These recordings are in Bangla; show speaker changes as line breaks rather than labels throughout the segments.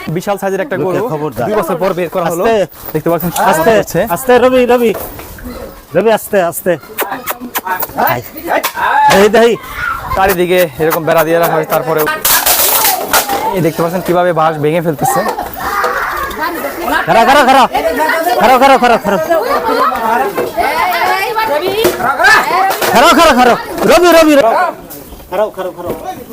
বিশাল সাইজের একটা গরু,
খবরদার।
2 বছর পর বের করা হলো। দেখতে পাচ্ছেন
আস্তে
আস্তে
আস্তে রবি রবি রবি আস্তে আস্তে এই দেই
চারিদিকে এরকম বেড়া দিয়ে রাখা হয়। তারপরে এই দেখতে পাচ্ছেন কিভাবে বাঁশ ভেঙে ফেলতেছে।
খারা খারা খারা খারা খারা খারা খারা খারা খারা খারা রবি রবি খারাও খারাও খারাও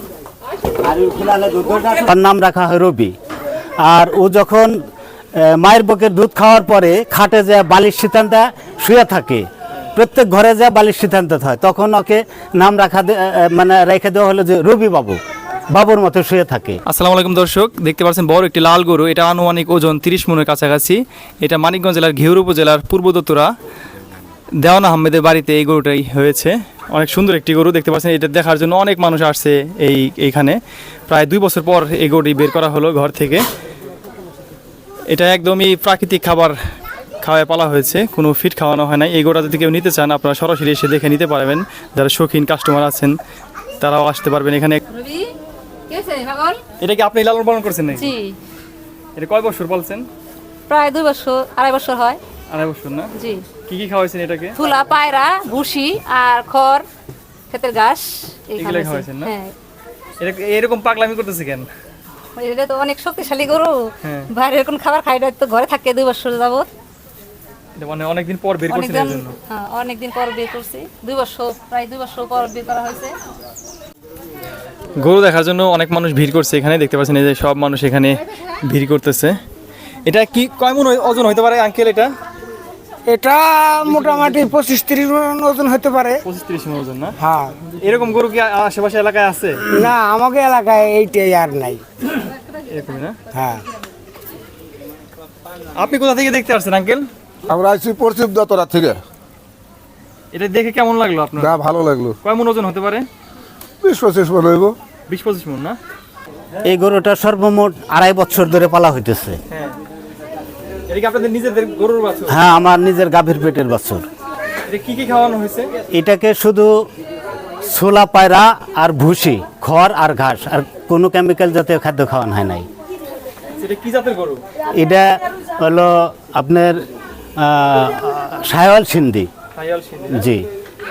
তার নাম রাখা হয় রবি। আর ও যখন মায়ের বুকের দুধ খাওয়ার পরে খাটে যে বালিশ সিদ্ধান্তে শুয়ে থাকে, প্রত্যেক ঘরে যে বালিশ সিদ্ধান্ত হয়, তখন ওকে নাম রাখা মানে রেখে দেওয়া হলো যে রবি বাবু, বাবুর মতো শুয়ে থাকে।
আসসালামু আলাইকুম দর্শক, দেখতে পাচ্ছেন বড় একটি লাল গরু। এটা আনুমানিক ওজন 30 মনের কাছাকাছি। এটা মানিকগঞ্জ জেলার ঘিওর উপজেলার পূর্ব দত্তরা দেওয়ান আহমেদের বাড়িতে এই গরুটাই হয়েছে। অনেক সুন্দর একটি গরু দেখতে পাচ্ছেন। এটা দেখার জন্য অনেক মানুষ আসছে এইখানে। প্রায় 2 বছর পর এই গরুটি বের করা হলো ঘর থেকে। এটা একদমই প্রাকৃতিক খাবার খাওয়ায় পালা হয়েছে, কোনো ফিট খাওয়ানো হয় নাই। এই গরুটা যদি কেউ নিতে চান আপনারা সরাসরি এসে দেখে নিতে পারবেন। যারা শৌখিন কাস্টমার আছেন তারাও আসতে পারবেন এখানে। এটা কি আপনি লালন পালন করছেন নাকি?
জি,
এটা কয় বছর বলছেন?
প্রায় 2 বছর, 2.5 বছর হয়।
2.5 বছর না?
জি,
কি খাওয়াইছেন এটাকে?
তুলা, পায়রা, ভুসি আর খড়, ক্ষেতের ঘাস
এগুলাই খাওয়াইছেন না? এটা এরকম পাগলামি করতেছে কেন?
এটা তো অনেক শক্তিশালী গরু।
হ্যাঁ।
বাইরে এরকম খাবার খাই না, তো ঘরে থাকে 2 বছর যাবত।
এটা মানে অনেকদিন পর বের করছেন এর জন্য?
হ্যাঁ, অনেকদিন পর বের করছি। 2 বছর, প্রায় 2 বছর পর বের করা হয়েছে।
গরু দেখার জন্য অনেক মানুষ ভিড় করছে এখানে। দেখতে পাচ্ছেন এই যে সব মানুষ এখানে ভিড় করতেছে। এটা কি কয় মণ ওজন হতে পারে আঙ্কেল?
এটা মোটামুটি 25-30 মণ ওজন হতে পারে।
25-30 মণ ওজন না?
হ্যাঁ।
এরকম গরু কি আশেপাশে এলাকায় আছে?
না, আমাকে এলাকায় এইটাই আর নাই।
এরকমই না?
হ্যাঁ।
আপনি কোথা থেকে দেখতে আসছেন আঙ্কেল?
আমরা আইছি পশ্চিম দতরা থেকে।
এটা দেখে কেমন লাগলো আপনার?
না, ভালো লাগলো।
কয় মণ ওজন হতে পারে?
20-25 মণ হইব।
20-25 মণ না?
এই গরুটা সর্বমোট 2.5 বছর ধরে পালা হইতেছে।
হ্যাঁ। এটা কি আপনাদের নিজেদের গরুর বাছুর?
হ্যাঁ, আমার নিজের গাভীর পেটের বাছুর।
এটা কি খাওয়ানো হয়েছে?
এটাকে শুধু ছোলা, পায়রা আর ভুসি, খড় আর ঘাস, আর কোনো কেমিক্যাল জাতীয় খাদ্য খাওয়ানো হয় নাই।
এটা কি জাতের গরু?
এটা হলো আপনার সায়াল সিন্ধি।
সাহিওয়াল সিন্ধি না?
জি,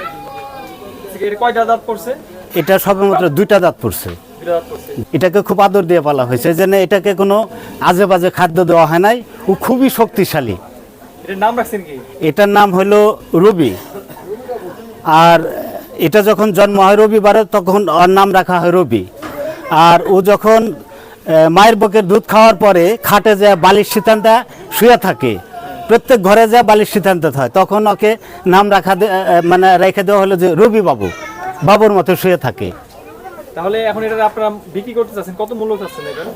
এর কয়টা দাঁত পড়ছে?
এটা সবেমাত্র 2টা দাঁত পড়ছে।
2টা দাঁত পড়ছে।
এটাকে খুব আদর দিয়ে পালা হয়েছে, এই জন্য এটাকে কোনো আজে বাজে খাদ্য দেওয়া হয় নাই। ও খুবই শক্তিশালী।
এটার নাম রাখছেন কি?
এটার নাম হলো রবি। আর এটা যখন জন্ম হয় রবিবারে, তখন ওর নাম রাখা হয় রবি। আর ও যখন মায়ের বুকের দুধ খাওয়ার পরে খাটে যে বালিশ সিদ্ধান্তে শুয়ে থাকে, প্রত্যেক ঘরে যে বালিশ সিদ্ধান্ত হয়, তখন ওকে নাম রাখা মানে রেখে দেওয়া হলো যে রবি বাবু, বাবুর মতো শুয়ে থাকে।
তাহলে এখন এটা আপনারা বিক্রি করতে চাচ্ছেন, কত মূল্য চাচ্ছেন এটা?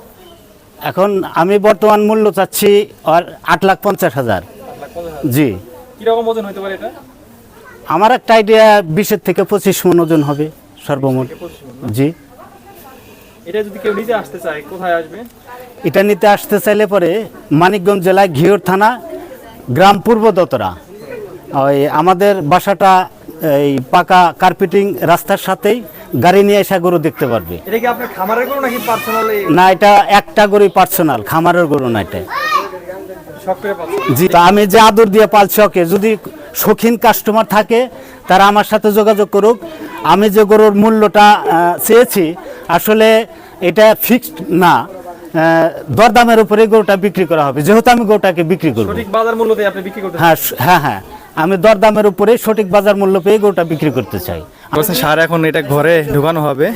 এখন আমি বর্তমান মূল্য চাচ্ছি আর 8,50,000। জি।
কিরকম ওজন হতে পারে এটা?
আমার একটা আইডিয়া 20 থেকে 25 মণ ওজন হবে সর্বমোট। জি।
এটা যদি কেউ নিতে আসতে চায় কোথায় আসবে?
এটা নিতে আসতে চাইলে পরে মানিকগঞ্জ জেলায় ঘিওর থানা, গ্রাম পূর্ব দতরা। ওই আমাদের বাসাটা এই পাকা কার্পেটিং রাস্তার সাথেই, গাড়ি নিয়ে এসে গরু দেখতে পারবে।
এটা কি আপনার খামারের গরু নাকি পার্সোনালি?
না, এটা একটা গরুই পার্সোনাল, খামারের গরু না এটা।
শখ করে পাচ্ছেন?
জি, তা আমি যে আদর দিয়ে পালছি ওকে, যদি শৌখিন কাস্টমার থাকে তারা আমার সাথে যোগাযোগ করুক। আমি যে গরুর মূল্যটা চেয়েছি, আসলে এটা ফিক্সড না, দরদামের উপরে গরুটা বিক্রি করা হবে, যেহেতু আমি গরুটাকে বিক্রি করব।
সঠিক বাজার মূল্য দিয়ে আপনি বিক্রি করতে?
হ্যাঁ হ্যাঁ হ্যাঁ, আমি দরদামের উপরে সঠিক বাজার মূল্য পেয়ে গরুটা বিক্রি করতে চাই।
সার এখন এটা ঘরে ঢুকানো হবে।